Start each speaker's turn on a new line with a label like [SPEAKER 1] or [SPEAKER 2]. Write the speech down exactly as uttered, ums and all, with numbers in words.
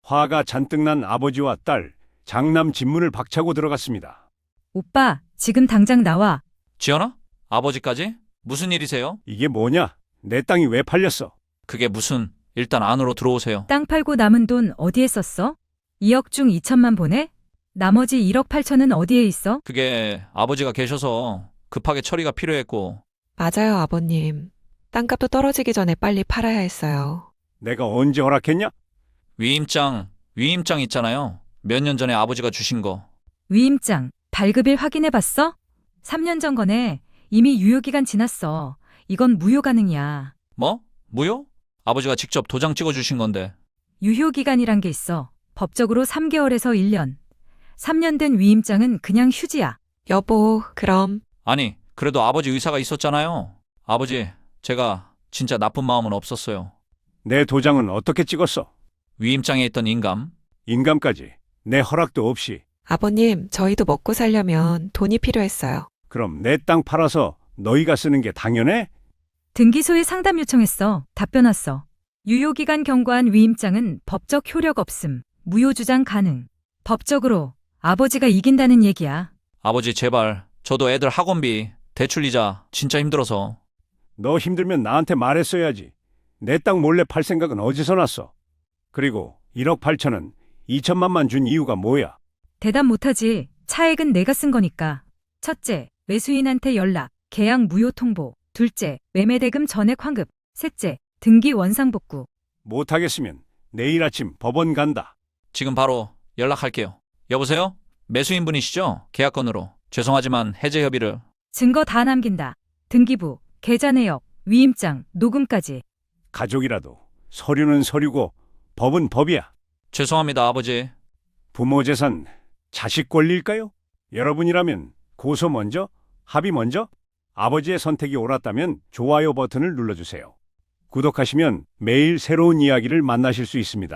[SPEAKER 1] 화가 잔뜩 난 아버지와 딸, 장남 진문을 박차고 들어갔습니다.
[SPEAKER 2] 오빠, 지금 당장 나와.
[SPEAKER 3] 지연아? 아버지까지? 무슨 일이세요?
[SPEAKER 1] 이게 뭐냐? 내 땅이 왜 팔렸어?
[SPEAKER 3] 그게 무슨... 일단 안으로 들어오세요.
[SPEAKER 2] 땅 팔고 남은 돈 어디에 썼어? 이억 중 이천만 보내? 나머지 일억 팔천은 어디에 있어?
[SPEAKER 3] 그게 아버지가 계셔서 급하게 처리가 필요했고.
[SPEAKER 4] 맞아요, 아버님. 땅값도 떨어지기 전에 빨리 팔아야 했어요.
[SPEAKER 1] 내가 언제 허락했냐?
[SPEAKER 3] 위임장, 위임장 있잖아요. 몇 년 전에 아버지가 주신 거.
[SPEAKER 2] 위임장, 발급일 확인해 봤어? 삼 년 전 거네. 이미 유효기간 지났어. 이건 무효 가능이야.
[SPEAKER 3] 뭐? 무효? 아버지가 직접 도장 찍어 주신 건데.
[SPEAKER 2] 유효기간이란 게 있어. 법적으로 삼 개월에서 일 년. 삼 년 된 위임장은 그냥 휴지야.
[SPEAKER 4] 여보, 그럼
[SPEAKER 3] 아니, 그래도 아버지 의사가 있었잖아요. 아버지, 제가 진짜 나쁜 마음은 없었어요.
[SPEAKER 1] 내 도장은 어떻게 찍었어?
[SPEAKER 3] 위임장에 있던 인감.
[SPEAKER 1] 인감까지 내 허락도 없이.
[SPEAKER 4] 아버님, 저희도 먹고 살려면 돈이 필요했어요.
[SPEAKER 1] 그럼 내 땅 팔아서 너희가 쓰는 게 당연해?
[SPEAKER 2] 등기소에 상담 요청했어. 답변 왔어. 유효기간 경과한 위임장은 법적 효력 없음. 무효 주장 가능. 법적으로 아버지가 이긴다는 얘기야.
[SPEAKER 3] 아버지 제발, 저도 애들 학원비, 대출이자 진짜 힘들어서.
[SPEAKER 1] 너 힘들면 나한테 말했어야지. 내 땅 몰래 팔 생각은 어디서 났어? 그리고 일억 팔천은 이천만만 준 이유가 뭐야?
[SPEAKER 2] 대답 못하지. 차액은 내가 쓴 거니까. 첫째, 매수인한테 연락, 계약 무효 통보. 둘째, 매매대금 전액 환급. 셋째, 등기 원상복구.
[SPEAKER 1] 못하겠으면 내일 아침 법원 간다.
[SPEAKER 3] 지금 바로 연락할게요. 여보세요? 매수인분이시죠? 계약건으로. 죄송하지만 해제 협의를.
[SPEAKER 2] 증거 다 남긴다. 등기부, 계좌 내역, 위임장, 녹음까지.
[SPEAKER 1] 가족이라도 서류는 서류고 법은 법이야.
[SPEAKER 3] 죄송합니다, 아버지.
[SPEAKER 1] 부모 재산 자식 권리일까요? 여러분이라면 고소 먼저, 합의 먼저? 아버지의 선택이 옳았다면 좋아요 버튼을 눌러주세요. 구독하시면 매일 새로운 이야기를 만나실 수 있습니다.